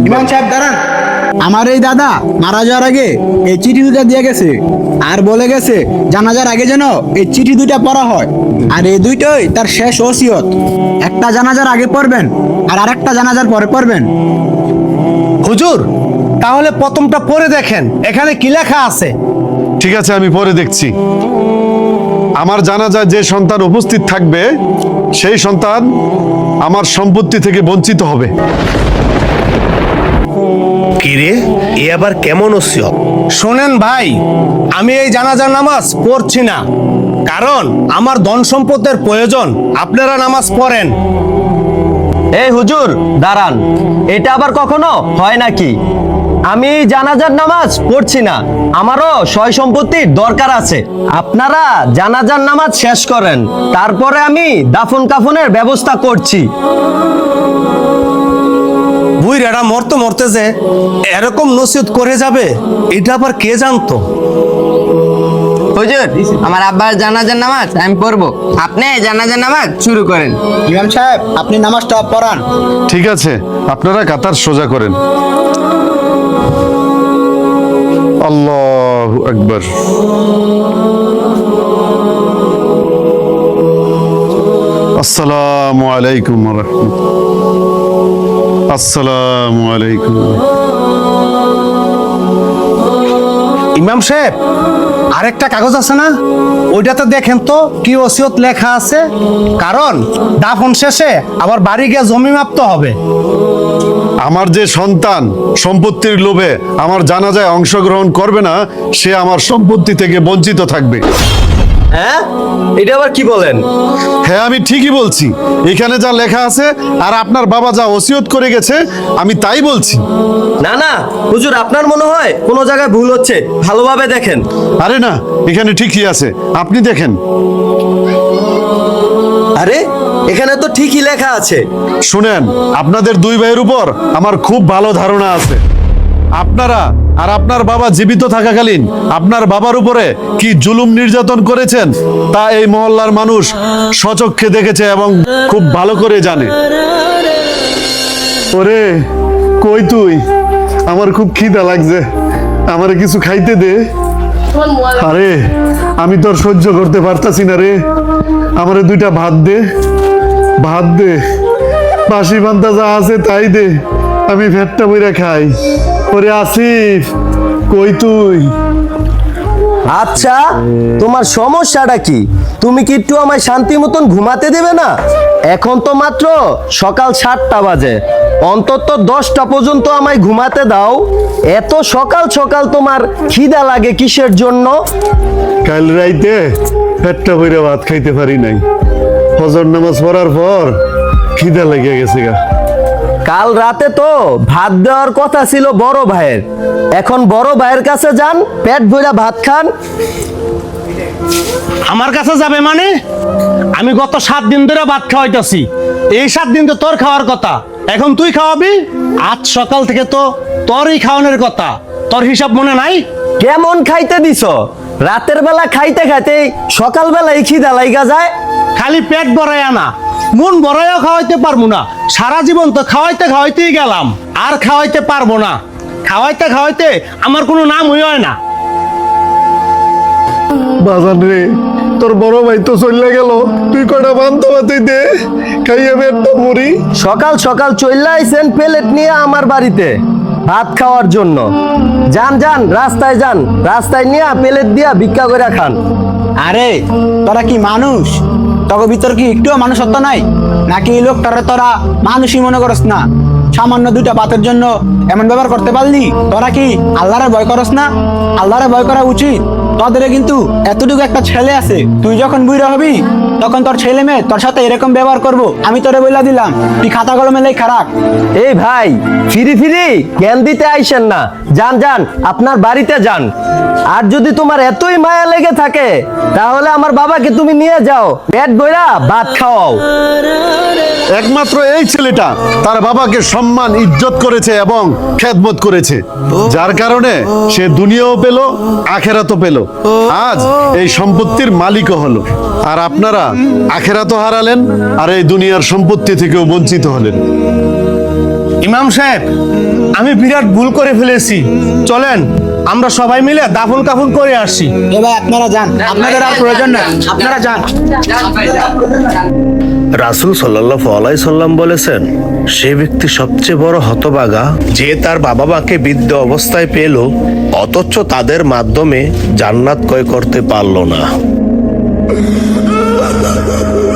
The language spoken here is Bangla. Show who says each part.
Speaker 1: ইমাম সাহেব দাঁড়ান। আমার এই দাদা মারা যাওয়ার আগে এই চিঠি দুটা দিয়ে গেছে আর বলে গেছে জানাজার আগে যেন এই চিঠি দুইটা পড়া হয়। আর এই দুইটাই তার শেষ ওসিয়ত। একটা জানাজার আগে পড়বেন আর আরেকটা জানাজার পরে পড়বেন।
Speaker 2: হুজুর, তাহলে প্রথমটা পড়ে দেখেন এখানে কি লেখা আছে।
Speaker 3: ঠিক আছে, আমি পরে দেখছি। আমার জানাজায় যে সন্তান উপস্থিত থাকবে সেই সন্তান আমার সম্পত্তি থেকে বঞ্চিত হবে।
Speaker 4: কিরে, এ আবার কেমন ওসিয়ত?
Speaker 2: শোনেন ভাই, আমি এই জানাজার নামাজ পড়ছি না, কারণ আমার ধন সম্পদের প্রয়োজন। আপনারা নামাজ পড়েন।
Speaker 5: এই হুজুর দাঁড়ান, এটা আবার কখনো হয় নাকি? আমি জানাজার নামাজ পড়ছি না, আমারও সয় সম্পত্তির দরকার আছে। আপনারা জানাজার নামাজ শেষ করেন, তারপরে আমি দাফন কাফনের ব্যবস্থা করছি।
Speaker 2: বুইরাটা মরতে মরতে যে এরকম নসিহত করে যাবে, এটা আবার কে জানতো?
Speaker 6: হুজুর, আমার আব্বার জানাজার নামাজ আমি পড়বো, আপনি জানাজার নামাজ শুরু করেন।
Speaker 1: ইমাম সাহেব আপনি নামাজটা পড়ান।
Speaker 3: ঠিক আছে, আপনারা কাতার সোজা করেন। আল্লাহু আকবার। আসসালামু আলাইকুম ওয়া রাহমাতুল্লাহ। আসসালামু আলাইকুম।
Speaker 2: ইমাম সাহেব, আরেকটা কাগজ আছে না, ওইটাতে দেখেন তো কি ওসিয়ত লেখা আছে। কারণ দাফন শেষে আবার বাড়ি গিয়ে জমি মাপতে হবে।
Speaker 3: আমার যে সন্তান সম্পত্তির লোভে আমার জানাজায় অংশগ্রহণ করবে না, সে আমার সম্পত্তি থেকে বঞ্চিত থাকবে।
Speaker 5: হ্যাঁ, এটা আবার কি বলেন?
Speaker 3: হ্যাঁ, আমি ঠিকই বলছি। এখানে যা লেখা আছে আর আপনার বাবা যা ওসিয়ত করে গেছে, আমি তাই বলছি।
Speaker 5: না না হুজুর, আপনার মনে হয় কোনো জায়গায় ভুল হচ্ছে, ভালোভাবে দেখেন।
Speaker 3: আরে না, এখানে ঠিকই আছে, আপনি দেখেন।
Speaker 5: আরে এখানে তো ঠিকই লেখা আছে।
Speaker 3: শুনেন, আপনাদের দুই ভাইয়ের উপর আমার খুব ভালো ধারণা আছে। আপনারা আর আপনার বাবা জীবিত থাকাকালীন আপনার বাবার উপরে কি জুলুম নির্যাতন করেছেন তা এই মহল্লার মানুষ স্বচক্ষে দেখেছে এবং খুব ভালো করে জানে। ওরে কই তুই? আমার খুব খিদা লাগছে, আমারে কিছু খাইতে দে। আরে আমি তো আর সহ্য করতে পারতাছি না রে, আমারে দুইটা ভাত দে, ভাত দে, বাসি পান্তা যা আছে তাই দে, আমি ভেটটা বইরা খাই। ওরে আসিফ, কই তুই?
Speaker 5: আচ্ছা, তোমার সমস্যাটা কি? তুমি কি একটু আমায় শান্তি মতন ঘুমাতে দেবে না? এখন তো মাত্র সকাল 7টা বাজে, অন্তত 10টা পর্যন্ত আমায় ঘুমাতে দাও। এত সকাল সকাল তোমার খিদা লাগে কিসের জন্য?
Speaker 3: কাল রাইতে ভেটটা বইরা ভাত খাইতে পারি নাই, ফজর নামাজ পড়ার পর খিদা লেগে গেছে গা।
Speaker 5: কাল রাতে তো ভাত দেওয়ার কথা ছিল বড় ভাইয়ের, এখন বড় ভাইয়ের কাছে যান, পেট ভরা ভাত খান।
Speaker 2: আমার কাছে যাবে মানে? আমি গত 7 দিন ধরে ভাত খাওয়াইতেছি, এই 7 দিন তো তোর খাওয়ার কথা, এখন তুই খাওয়াবি। আজ সকাল থেকে তো তোরই খাওয়ানোর কথা, তোর হিসাব মনে নাই?
Speaker 5: কেমন খাইতে দিছ? রাতের বেলা খাইতে খাইতে সকাল বেলায় খিদা লাইগা যায়।
Speaker 2: খালি পেট ভরাইয়া না, মন ভরাইয়া খাওয়াইতে পারবো না। সারা জীবন তো খাওয়াইতে খাওয়াইতেই গেলাম, আর খাওয়াইতে পারবো না। খাওয়াইতে খাওয়াইতে আমার কোনো নাম হয় না।
Speaker 3: বাজান রে, তোর বড় ভাই তো চলে গেল, তুই কটা বান্ধব তুই দে, খাইয়ে পেটটা মরি।
Speaker 5: সকাল সকাল চইলা আইছেন প্লেট নিয়ে আমার বাড়িতে ভাত খাওয়ার জন্য। যান যান, রাস্তায় যান, রাস্তায় নিয়ে প্লেট দিয়া ভিক্ষা করে খান।
Speaker 1: আরে তোরা কি মানুষ? তোর ভিতর কি একটুও মানুষত্ব নাই নাকি? এই লোকটারে তোরা মানুষই মনে করস না? সামান্য দুইটা ভাতের জন্য এমন ব্যবহার করতে পারলি? তোরা কি আল্লাহরে ভয় করস না? আল্লাহরে ভয় করা উচিত। তোদের কিন্তু এতটুকু একটা ছেলে আছে, তুই যখন বুড়া হবি তখন তোর ছেলে মেয়ে তোর সাথে এরকম ব্যবহার করবো, আমি তোরে বইলা দিলাম। তুই খাতা কলমে লেখ খারাপ।
Speaker 5: এই ভাই, ফিরি ফিরি জ্ঞান দিতে আইসেন না, যান যান, আপনার বাড়িতে যান। আর যদি তোমার এতই মায়া লেগে থাকে তাহলে আমার বাবাকে তুমি নিয়ে যাও, পেট ভরা ভাত খাওয়াও।
Speaker 3: একমাত্র এই ছেলেটা তার বাবাকে সম্মান ইজ্জত করেছে এবং খেদমত করেছে, যার কারণে সে দুনিয়াও পেল, আখেরাতও পেল। আজ এই সম্পত্তির মালিকও হলো। আর আপনারা আখেরাতও হারালেন আর এই দুনিয়ার সম্পত্তি থেকেও বঞ্চিত হলেন।
Speaker 2: ইমাম সাহেব, আমি বিরাট ভুল করে ফেলেছি, চলেন আমরা সবাই মিলে দাফন কাফন করে আসি।
Speaker 1: এ ভাই আপনারা যান, আপনাদের আর প্রয়োজন নাই, আপনারা যান।
Speaker 4: রাসূল সাল্লাল্লাহু আলাইহি সাল্লাম বলেছেন, সে ব্যক্তি সবচেয়ে বড় হতভাগা যে তার বাবা মাকে বৃদ্ধ অবস্থায় পেল অথচ তাদের মাধ্যমে জান্নাত ক্রয় করতে পারল না।